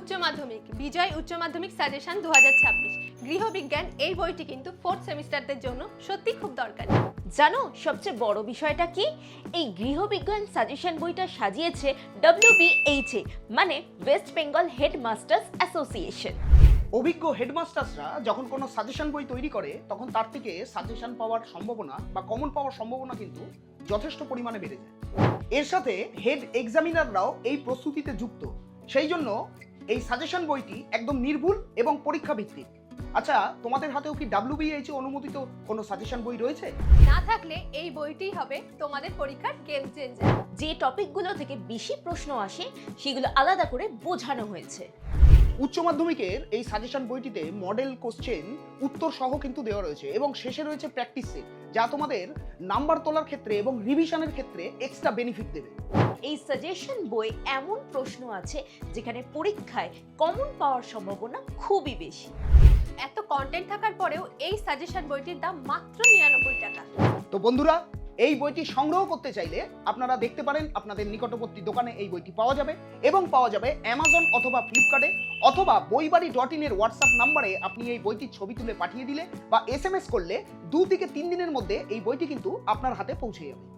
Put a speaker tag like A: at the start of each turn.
A: উচ্চ মাধ্যমিক বিজয় উচ্চ মাধ্যমিক সাজেশন 2026 গৃহবিজ্ঞান এই বইটি কিন্তু 4th সেমিস্টারদের জন্য সত্যি খুব দরকারি।
B: জানো সবচেয়ে বড় বিষয়টা কি? এই গৃহবিজ্ঞান সাজেশন বইটা সাজিয়েছে WBHA মানে ওয়েস্ট বেঙ্গল হেডমাস্টার্স অ্যাসোসিয়েশন।
C: অভিজ্ঞ হেডমাস্টার্সরা যখন কোনো সাজেশন বই তৈরি করে তখন তার থেকে সাজেশন পাওয়ার সম্ভাবনা বা কমন পাওয়ার সম্ভাবনা কিন্তু যথেষ্ট পরিমাণে বেড়ে যায়। এর সাথে হেড এক্সামিনাররাও এই প্রস্তুতিতে যুক্ত, সেই জন্য এই সাজেশন বইটি একদম নির্ভুল এবং পরীক্ষা ভিত্তিক। আচ্ছা, তোমাদের হাতেও কি WBHA অনুমোদিত কোনো সাজেশন বই রয়েছে?
A: না থাকলে এই বইটিই হবে তোমাদের পরীক্ষার গেম চেঞ্জার।
B: যে টপিকগুলো থেকে বেশি প্রশ্ন আসে সেগুলো আলাদা করে বোঝানো হয়েছে।
C: উচ্চ মাধ্যমিকের এই সাজেশন বইটিতে মডেল কোশ্চেন উত্তর সহ কিন্তু দেওয়া রয়েছে এবং শেষে রয়েছে প্র্যাকটিস সেট, যা তোমাদের নাম্বার তোলার ক্ষেত্রে এবং রিভিশনের ক্ষেত্রে এক্সট্রা বেনিফিট দেবে।
B: এই সাজেশন বই এমন প্রশ্ন আছে যেখানে পরীক্ষায় কমন পাওয়ার সম্ভাবনা খুবই বেশি।
A: এত কন্টেন্ট থাকার পরেও এই সাজেশন বইটির দাম মাত্র 99 টাকা।
C: তো বন্ধুরা, এই বইটি সংগ্রহ করতে চাইলে আপনারা দেখতে পারেন আপনাদের নিকটবর্তী দোকানে এই বইটি পাওয়া যাবে এবং পাওয়া যাবে অ্যামাজন অথবা ফ্লিপকার্টে, অথবা বইবাড়ি.in এর হোয়াটসঅ্যাপ নাম্বারে আপনি এই বইটির ছবি তুলে পাঠিয়ে দিলে বা SMS করলে 2 থেকে 3 দিনের মধ্যে এই বইটি কিন্তু আপনার হাতে পৌঁছে যাবে।